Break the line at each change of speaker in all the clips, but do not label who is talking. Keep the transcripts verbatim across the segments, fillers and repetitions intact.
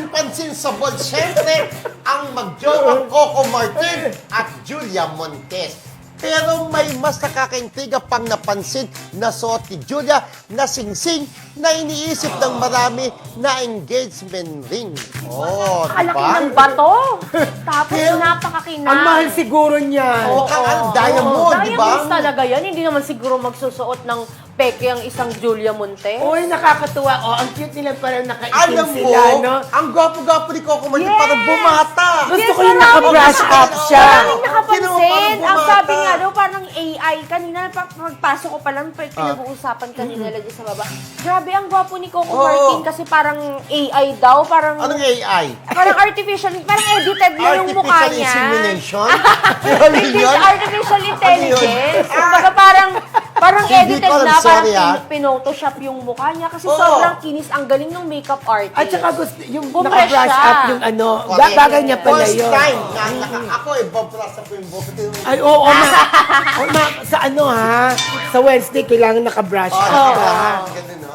Unang pansin sa ball, syempre, ang magjowang Coco Martin at Julia Montes. Pero may mas nakakaintriga pang napansin na suot ni Julia na singsing na iniisip ng marami na engagement ring. Oh,
Kalaki
diba?
ng bato. Tapos
Pero,
napakakinang.
Ang mahal siguro niya.
Oo, ang ang diamond, di ba?
Diamonds talaga yan. Hindi naman siguro magsusuot ng peke ang isang Julia Monte.
Uy, nakakatuwa. Oh, ang cute nila parang nakaitim
Alam mo,
sila, no?
ang gwapo-gwapo ni Coco Martin,
Yes!
parang bumata.
Gusto
Yes,
ko yung
marami
naka-brush
kasi-
up siya.
Maraming nakapansin.
Kinuha parang
Ang
bumata.
sabi nga daw, parang A I. Kanina, pag- pagpasok ko pa lang,
Ah.
pinag-uusapan kanina lang dyan sa baba. Grabe, ang gwapo ni Coco
Oo.
Martin kasi parang A I daw. Parang,
Anong A I?
parang artificial, parang edited na yung mukha
Artificial
niya.
insemination? Ano
Hindi
yun?
siya artificial intelligence.
Ano yun?
Kumbaga parang, parang
Hindi
edited
ko alam,
na, parang
sorry, ah.
pin- pinotoshop yung mukha niya. Kasi
Oo.
sobrang kinis, ang galing ng makeup artist.
At saka gusto, yung
Bumress
naka-brush
siya.
up yung ano,
Correct.
ba- bagay niya pala
First
yun.
time na naka, ako eh, babrasa ko yung buhok.
Ay, oo, na, oh, na, sa ano ha, sa Wednesday, kailangan naka-brush
Oh,
up
oh,
ka.
ganun, no?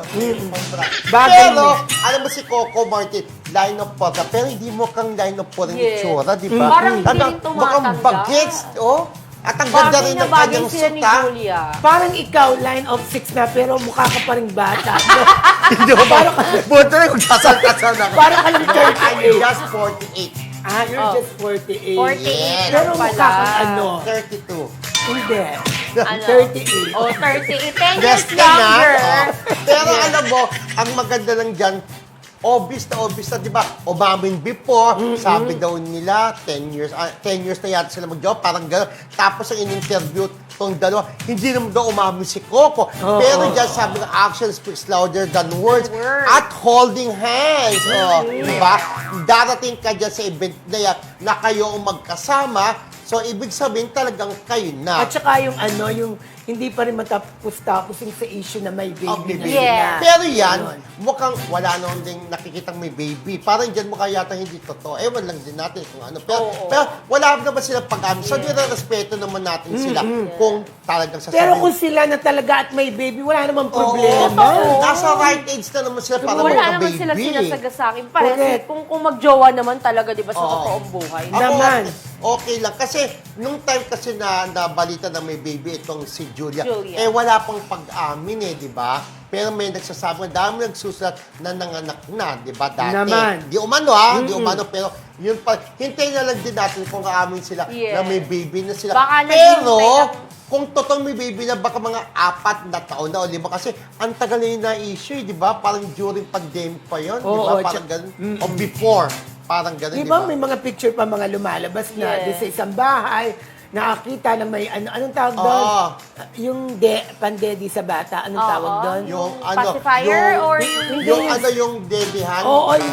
Bagay
Pero,
mo.
alam mo si Coco Martin, line of porta, pero hindi mo kang line of porta
Yes.
itsura, di ba?
Parang hindi
Talagang
rin tumatanda.
Mukhang bagets, oh. At ang ganda
Bagay
rin
na
ng
bagay
kanyang
sila ni
suta.
Julia.
Parang ikaw, line of six na, pero mukha ka pa rin bata.
Hindi mo ba? Buto na kung kasal-kasal na.
Parang ka lang
I'm
thirty-eight.
just forty-eight.
Ah, you're
Oh.
just forty-eight.
forty-eight
Yes.
Pero
lang
mukha
pala.
kang ano,
thirty-two.
hindi.
Ano?
thirty-eight.
Oh, thirty-eight. ten years
Yes ka na.
younger.
Oh. Pero alam mo, ang maganda lang dyan, obvious na obvious na, di ba? Umamin before, sabi daw nila, ten years, ah, ten years na yata sila mag-job, parang gano'n. Tapos ang in-interview tong dalawa, hindi naman daw umamin si Coco.
Oo.
Pero dyan sabi ng action speaks louder than words.
Words.
At holding hands. Oh, di ba? Darating ka dyan sa event na yan na kayo ang magkasama. So, ibig sabihin talagang kayo na.
At saka yung ano, yung hindi pa rin matapos-tapos yung sa issue na may baby
Oh,
na
baby.
Yeah.
sila.
Pero yan,
Ganon.
mukhang wala naman din nakikitang may baby. Parang dyan mukha yata hindi totoo. Ewan lang din natin kung ano. Pero,
Oo.
pero wala naman sila pag-amin. So, nire-respeto naman natin sila kung talagang sasabihin.
Pero kung sila na talaga at may baby, wala namang
Oo.
problema.
Oo.
Nasa right age na naman sila para
Wala
magka-baby.
naman sila sinasagasangin. Pares,
Correct.
kung, kung magjowa naman talaga, di ba, sa
Oo.
totoong buhay.
Ako,
Naman.
Okay lang. Kasi, nung time kasi na nabalita na may baby itong si Julia,
Julia.
eh wala pang pag-amin eh, di ba? Pero may nagsasabi, dami nagsusulat na nanganak na, di ba, dati.
Naman.
Di umano ha, di umano, pero yun pa, hintayin na lang din natin kung aamin sila
Yes.
na may baby na sila.
Baka
pero,
naghihintay lang.
kung totoong may baby na, baka mga apat na taon na o lima. Kasi ang tagal na yun na-issue, eh, di ba? Parang during pandemic pa yun, di ba?
Oo,
Parang
tsa-
ganun. O before, parang ganun,
Di
di
ba
ba?
may mga picture pa mga lumalabas na
Yes.
di sa isang bahay, nakakita na may ano anong tawag doon?
Oo.
Yung de, pandedi sa bata, anong
Oo.
tawag doon?
Yung ano,
Pacifier
yung,
or yung-
yung ano yung debihan?
Oo, yung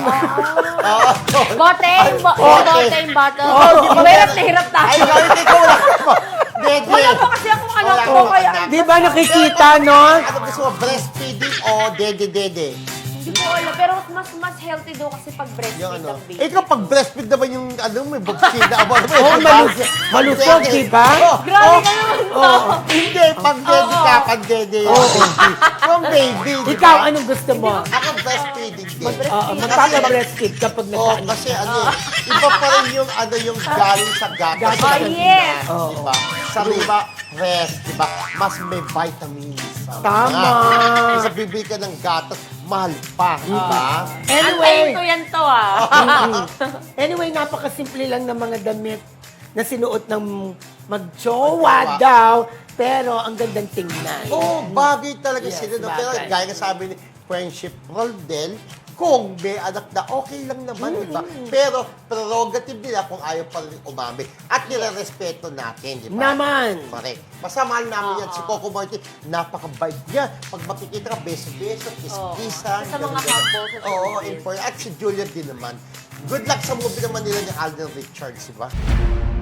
Oo.
Bote, yung bo-
Okay.
yung bote, yung bottle.
Oo, di ba
Mahirap
meron-
na hirap
Ay,
tayo.
hindi ko wala ko. Dede.
Wala po kasi akong anak
Wala
ko,
akong
kaya
anak.
Di ba nakikita, no?
Ano gusto mo, breastfeeding o dede-dede?
hindi ko alam. Pero mas mas healthy daw kasi pag
Yung
breastfeed
ano.
ang baby.
Eh, kung pag breastfeed naman yung, ano, may bagsida. Aba, ano,
Oo, malus- malusog, di ba?
Oo.
Grabe
Oo.
ka naman to.
Oo. Hindi, pag dede ka, pag dede yung baby. Yung baby, di ba?
Ikaw, anong gusto mo?
Ako breastfeeding din.
Oo, magpapa-breastfeed kapag
Oo,
nagkaan.
kasi ano eh, iba pa rin yung ano yung galing sa gatas.
Gatas.
sa
Oh, yes.
Pinas, di ba? Sa iba, rest, di ba? Mas may vitamins. Sabi
Tama.
nga. Kasi bibili ka ng gatas, mahal pa, di ba?
Antayin ko
Anyway,
yan to ah.
anyway, napakasimple lang ng mga damit na sinuot ng magjowa
Magjowa.
daw, pero ang gandang tingnan.
Oo, bagay talaga
Yes,
sila. No? Pero
bagay.
gaya nga sabi ni Friendship Roldel, kung may anak na, okay lang naman, di ba? Pero prerogative nila kung ayaw pa rin umami. At nire-respeto natin, di ba?
Naman.
Correct. Basta mahal namin yan.
Oo.
Si Coco Martin, napaka-bite niya. Pag makikita ka, beso-beso,
Oo.
kiss-kissan.
Sa mga
ganun-ganun.
couple, sa
Oo,
showbiz.
important. At si Julia din naman. Good luck sa movie naman nila ni Alden Richards, di ba?